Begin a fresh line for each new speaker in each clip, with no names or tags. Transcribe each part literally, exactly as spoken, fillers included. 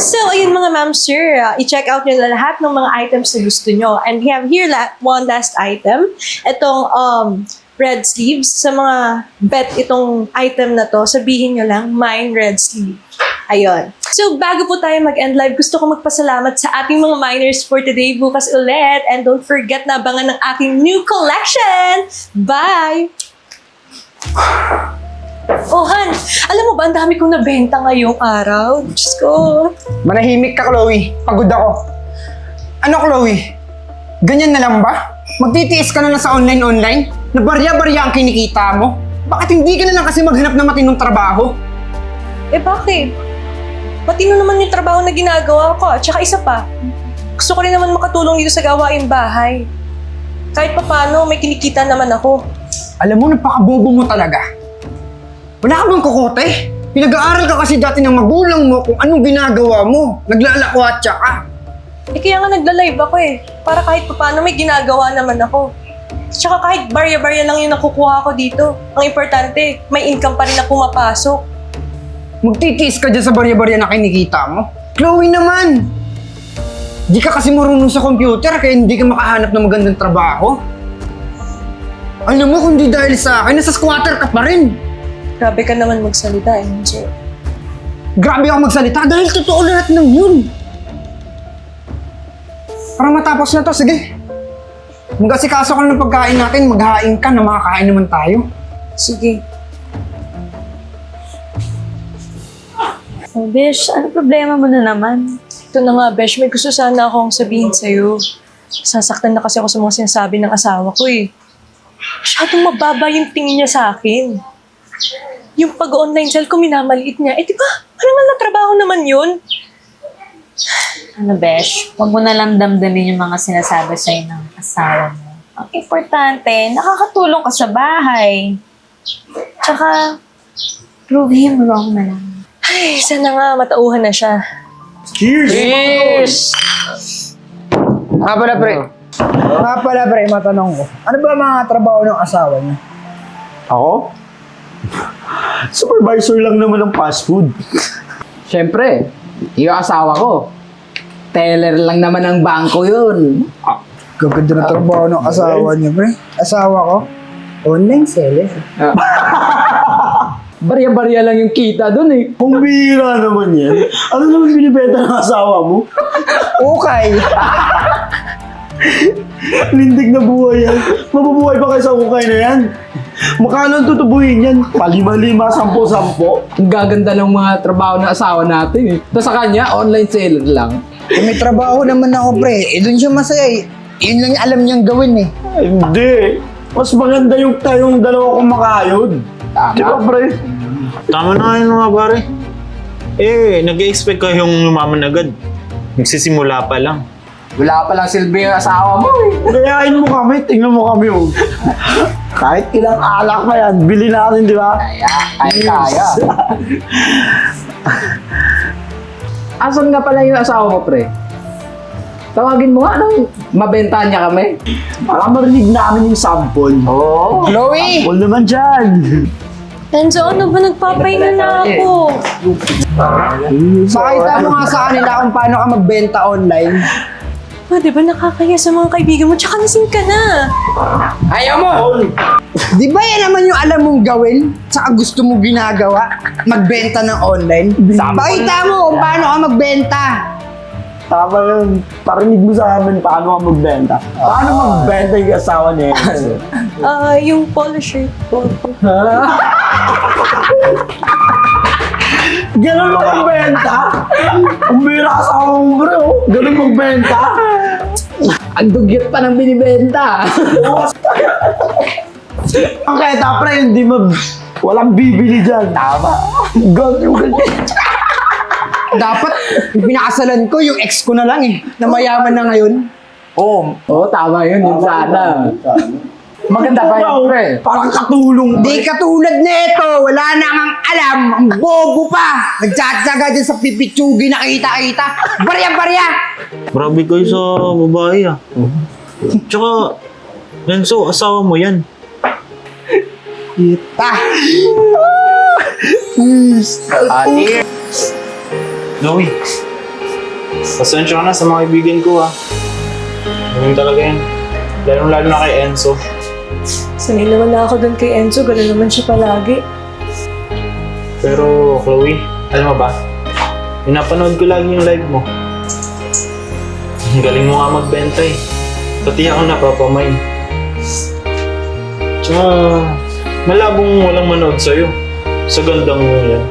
So, ayun mga ma'am, sir, uh, i-check out nyo na lahat ng mga items na gusto nyo. And we have here la- one last item. Itong um, red sleeves. Sa mga bet itong item na to, sabihin nyo lang, mine red sleeve. Ayun. So, bago po tayo mag-end live, gusto ko magpasalamat sa ating mga miners for today, bukas ulit. And don't forget na abangan ng aking new collection. Bye! Oh, Han, alam mo ba, ang dami kong nabenta ngayong araw. Diyos ko.
Manahimik ka, Chloe. Pagod ako. Ano, Chloe? Ganyan na lang ba? Magtitiis ka na lang sa online-online? Na barya-barya ang kinikita mo? Bakit hindi ka na lang kasi maghanap ng matinong trabaho?
Eh, bakit? Matino naman yung trabaho na ginagawa ko. At saka isa pa, gusto ko rin naman makatulong dito sa gawaing bahay. Kahit pa paano, may kinikita naman ako.
Alam mo, napakabobo mo talaga. Wala ka bang kukote? Pinag-aaral ka kasi dati ng magulang mo kung anong ginagawa mo. Naglalakwatsa ka.
Eh, kaya nga nagla-live ako eh. Para kahit pa paano may ginagawa naman ako. Tsaka kahit barya-barya lang yung nakukuha ko dito. Ang importante, may income pa rin na pumapasok.
Magtitiis ka dyan sa barya-barya na kinikita mo. Chloe naman! Di ka kasi marunong sa computer kaya hindi ka makahanap ng magandang trabaho. Alam mo, kung di dahil sa akin, nasa squatter ka pa rin.
Grabe ka naman magsalita eh, sir.
Grabe ako magsalita dahil totoo lahat ng yun. Para matapos na to, sige. Mag-asikaso ka na ng pagkain natin, maghain ka na makakain naman tayo.
Sige.
Oh, Besh, ano problema mo na naman?
Ito na nga, Besh, may gusto sana akong sabihin sa'yo. Sasaktan na kasi ako sa mga sinasabi ng asawa ko eh. Masyadong mababa yung tingin niya sa akin. Yung pag-online sale ko, minamaliit niya. Eh, di ba? Parang nga trabaho naman yun.
Ano, Besh? Huwag mo na lang damdamin yung mga sinasabi sa'yo ng asawa mo. Ang importante, nakakatulong ka sa bahay. Tsaka, prove him wrong na lang.
Ay, sana nga matauhan na siya.
Cheers!
Cheers! Nga pala, pre. Nga pala, pre, matanong ko. Ano ba mga trabaho ng asawa niyo?
Ako? Supervisor lang naman ng fast food.
Siyempre, yung asawa ko. Teller lang naman ng bangko yun.
Gaganda na trabaho ng asawa niyo, pre. Asawa ko? Online seller.
Barya-barya lang yung kita dun eh.
Kung bihira naman yan. Ano naman binibenta ng asawa mo?
Okay.
Lindig na buhay yan. Mabubuhay pa kayo sa ukay na yan. Makano ang tutubuhin yan? Palima-lima, sampo-sampo.
Ang gaganda ng mga trabaho ng asawa natin eh. Tapos sa kanya, online seller lang.
Eh, may trabaho naman ako, pre. Eh, doon siya masaya eh. Yun lang yung alam niyang gawin eh.
Ay, hindi. Mas maganda yung tayong dalawa kumakayod.
Tama.
Di ba, pre?
Tama na kayo mga pare. Eh, nag-expect kayong lumaman agad. Nagsisimula pa lang.
Wala pa lang silbi yung asawa mo eh.
Gayahin mo kami, tingnan mo kami. Oh. Kahit ilang alak pa yan, bili natin, di ba?
Kaya, kaya, kaya. Asan nga pala yung asawa mo, pre? Tawagin mo nga nang mabentahan niya kami.
Para marinig namin yung sample.
Oo.
Chloe!
Sample naman dyan.
Enzo, ano ba? Nagpapahinga na ako.
Pakita mo nga sa kanila kung paano ka magbenta online.
Ah, di ba nakakaya sa mga kaibigan mo? Tsaka lasing ka na.
Ayaw mo! Di ba yan naman yung alam mong gawin? Tsaka gusto mo ginagawa? Magbenta ng online? Pakita mo kung paano ka magbenta.
Tama yun. Parinig mo sa amin paano ka magbenta. Paano magbenta yung asawa niya?
Ah, yung polo shirt ko.
Ganun mo magbenta? Ang bira asawa mo, bro. Ganun magbenta?
Ang dugyot pa ng binibenta.
Ang kaya pre, hindi mag... Walang bibili dyan. Tama. Ganun ganun.
Dapat, yung pinakasalan ko, yung ex ko na lang eh. Na mayaman na ngayon.
Oo.
Oo, tama yun. Yun sana. Maganda pa yun, pre.
Parang katulong.
Di katulad nito, wala na ngang alam, ang bobo pa. Nagtsatsaga dyan sa pipitsugi na kita-kita. Barya-barya!
Grabe kayo sa babae ah. Tsaka, Renzo, asawa mo yan.
Kita.
Ate. Chloe, Pasensya ka na sa mga kaibigan ko, ha. Ganun talaga yan. Lalo-lalo na kay Enzo.
Sanay naman na ako doon kay Enzo, gano'n naman siya palagi.
Pero, Chloe, alam mo ba? Pinapanood ko lagi yung live mo. Ang galing mo nga magbenta eh. Pati ako napapamay. Tsaka, malabong walang manood sa'yo. Sa gandang mo yan.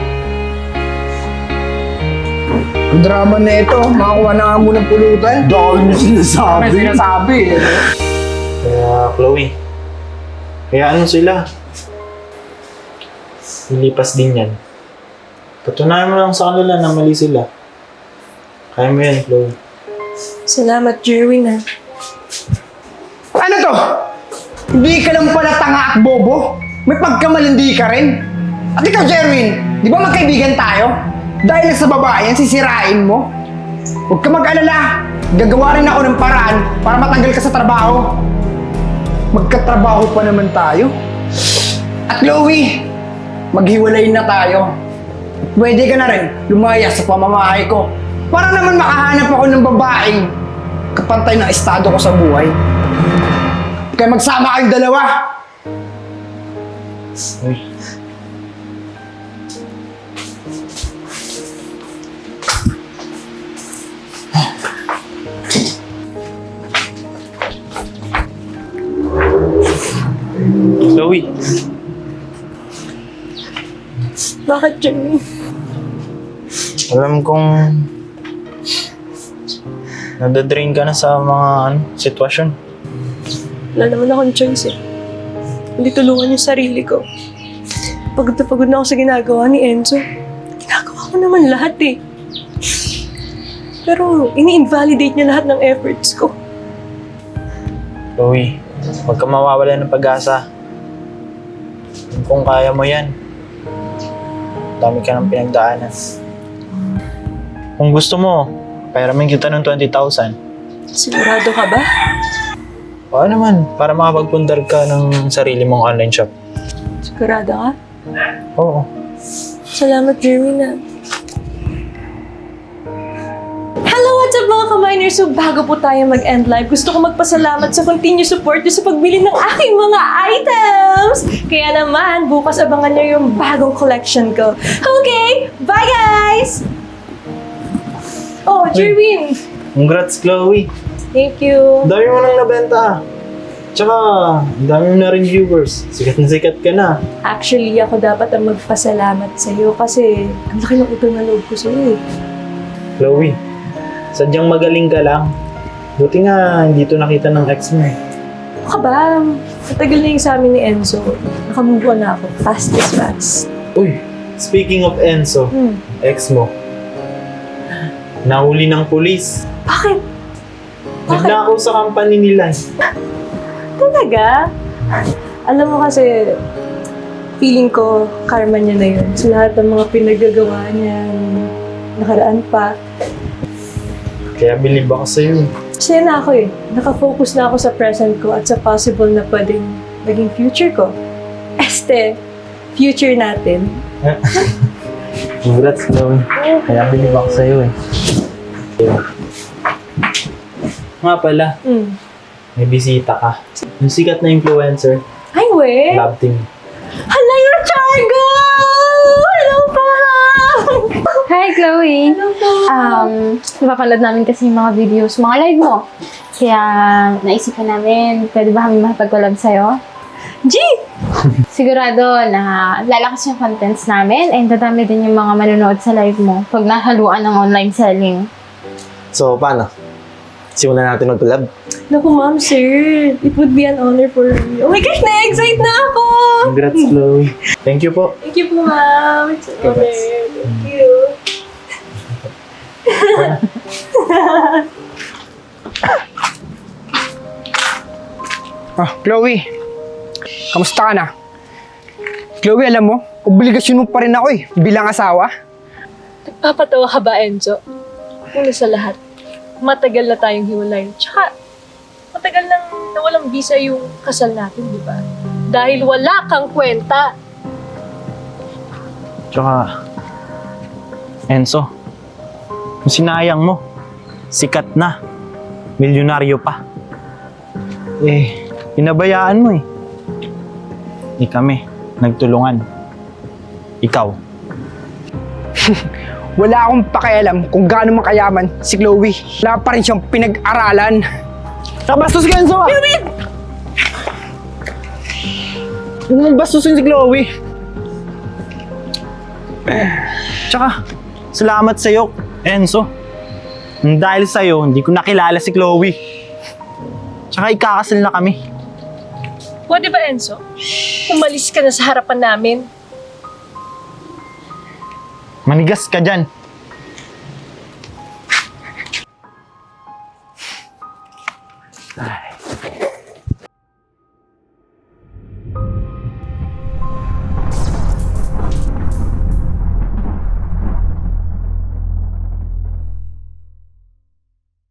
Ang drama na ito, makakuha na nga mo ng pulutan.
Dahil mo sinasabi.
May sinasabi eh.
Kaya, Chloe, kaya ano sila? Lilipas din yan. Patunayan mo lang sa kanila na mali sila. Kaya mo yan, Chloe.
Salamat, Jerwin, ha.
Ano to? Hindi ka lang pala tanga at bobo? May pagkamalindi ka rin? At ikaw, Jerwin, di ba magkaibigan tayo? Dahil sa babae yan, sisirain mo? Huwag ka mag-alala. Gagawa rin ako ng paraan para matanggal ka sa trabaho. Magkatrabaho pa naman tayo. At Chloe, maghiwalay na tayo. Pwede ka na rin lumaya sa pamamahay ko para naman makahanap ako ng babaeng kapantay ng estado ko sa buhay. Kaya magsama kayong dalawa.
Uy. Chloe,
Bakit, Jerwin?
alam kong nadadrain ka na sa mga ano, sitwasyon.
Wala naman akong choice eh. Hindi tulungan yung sarili ko. Pagod na pagod na ako sa ginagawa ni Enzo. Ginagawa ko naman lahat eh. Pero ini-invalidate niya lahat ng efforts ko.
Chloe, huwag ka mawawala ng pag-asa. Kung kaya mo yan, dami ka ng pinagdaanan. Kung gusto mo, pairamin kita ng twenty thousand.
Sigurado ka ba?
O naman, para makapagpundar ka ng sarili mong online shop.
Sigurado ka?
Oo.
Salamat, Jerwin. Hello, what's up mga ka-miners? So bago po tayo mag-end live, gusto ko magpasalamat sa continued support nyo sa pagbili ng aking mga items! Kaya naman, bukas abangan nyo yung bagong collection ko. Okay, bye guys! Oh, Jerwin!
Congrats, Chloe.
Thank you.
Ang dami mo nang nabenta. Tsaka, ang dami mo na rin viewers. Sikat na sikat ka na.
Actually, ako dapat ang magpasalamat sa iyo kasi ang laki ng utang na loob ko sa iyo.
Chloe, sadyang magaling ka lang. Buti nga, hindi to nakita ng ex mo.
Ano ka ba? Matagal na yung sa amin ni Enzo. Nakamove on na ako. Fast as fast.
Uy, speaking of Enzo,
Hmm.
ex mo, nahuli ng pulis.
Bakit? Bakit?
Nagnakaw sa company nila.
Talaga? Alam mo kasi, feeling ko, karma niya na yun. Sa lahat ng mga pinagagawa niya, nakaraan pa.
Kaya believe ako sa'yo.
Kasi na ako eh. Nakafocus na ako sa present ko at sa possible na pwedeng naging future ko. Este, future natin.
Congrats, Chloe. Kaya believe ako sa'yo eh. Nga pala,
Mm.
may bisita ka. Yung sikat na influencer,
Ay, we!
love team.
Hala, yung Chargo! Hello po!
Hi, Chloe! Um, napapanood namin kasi yung mga videos, mga live mo. Kaya naisipan namin, pwede ba kami makipag-collab sa'yo?
G!
Sigurado na lalakas yung contents namin and dadami din yung mga manonood sa live mo pag nahaluan ng online selling.
So, paano? Simulan natin mag-collab.
Naku, ma'am, sir. It would be an honor for me. Oh my gosh, na-excite na ako!
Congrats, Chloe. Thank you po.
Thank you po, ma'am. It's an honor. Thank you.
Ah, Chloe. Kamusta ka na? Chloe, alam mo, obligasyon mo pa rin ako eh, bilang asawa.
Papatawa ka ba, Enzo? Una sa lahat, matagal na tayong hiwalay. Tsaka, matagal nang nawalang visa yung kasal natin, di ba? Dahil wala kang kwenta.
Tsaka, Enzo, kung sinayang mo, sikat na, milyonaryo pa. Eh, pinabayaan mo eh. Eh kami, nagtulungan. Ikaw.
Wala akong pakialam kung gaano makayaman si Chloe. Wala pa rin siyang pinag-aralan.
Nabastos ka, Enzo! David! Huwag mong bastusin si Chloe. Tsaka, salamat sa'yo, Enzo. Dahil sa'yo, hindi ko nakilala si Chloe. Tsaka ikakasal na kami.
Pwede ba, Enzo? Umalis ka na sa harapan namin.
Manigas ka dyan. Ay.